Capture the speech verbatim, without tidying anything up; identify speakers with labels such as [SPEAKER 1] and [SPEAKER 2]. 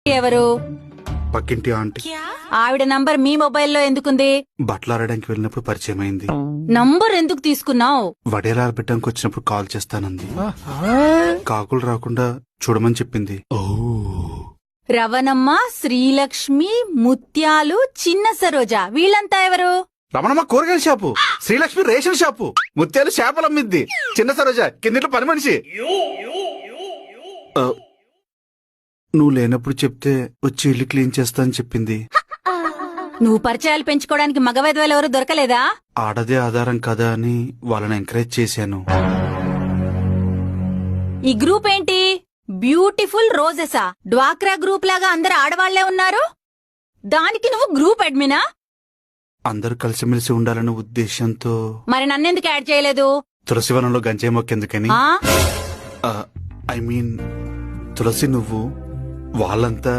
[SPEAKER 1] ఎవరు?
[SPEAKER 2] పక్కింటి ఆంటీ.
[SPEAKER 1] ఆవిడ నంబర్ మీ మొబైల్లో ఎందుకుంది?
[SPEAKER 2] బట్టలాడడానికి వెళ్ళినప్పుడు పరిచయం అయింది.
[SPEAKER 1] నంబర్ ఎందుకు తీసుకున్నావు?
[SPEAKER 2] వడేలాలు పెట్టడానికి వచ్చినప్పుడు కాల్ చేస్తానంది. కాకులు రాకుండా చూడమని చెప్పింది.
[SPEAKER 1] రవణమ్మ, శ్రీలక్ష్మి, ముత్యాలు, చిన్న సరోజ వీళ్ళంతా ఎవరు?
[SPEAKER 2] రమణమ్మ కూరగాయల షాపు, శ్రీలక్ష్మి రేషన్ షాపు, ముత్యాలు చేపలు అమ్మిద్ది, చిన్న సరోజ కిందిట్లో పని మనిషి. ఆ, నువ్వు లేనప్పుడు చెప్తే వచ్చి ఇల్లు క్లీన్ చేస్తా అని చెప్పింది.
[SPEAKER 1] నువ్వు పరిచయాలు పెంచుకోవడానికి మగవైద్యులు ఎవరు దొరకలేదా?
[SPEAKER 2] ఆడదే ఆధారం కదా అని వాళ్ళని ఎంకరేజ్ చేశాను.
[SPEAKER 1] ఈ గ్రూప్ ఏంటి? బ్యూటిఫుల్ రోజెసా? డ్వాక్రా గ్రూప్ లాగా అందరు ఆడవాళ్లే ఉన్నారు. దానికి నువ్వు గ్రూప్ అడ్మినా?
[SPEAKER 2] అందరూ కలిసిమెలిసి ఉండాలనే ఉద్దేశంతో.
[SPEAKER 1] మరి నన్నెందుకు యాడ్ చేయలేదు?
[SPEAKER 2] తులసివనంలో గంజాయి మొక్కెందుకని.
[SPEAKER 1] ఆ?
[SPEAKER 2] ఐ మీన్ తులసి, నువ్వు వాళ్ళంతా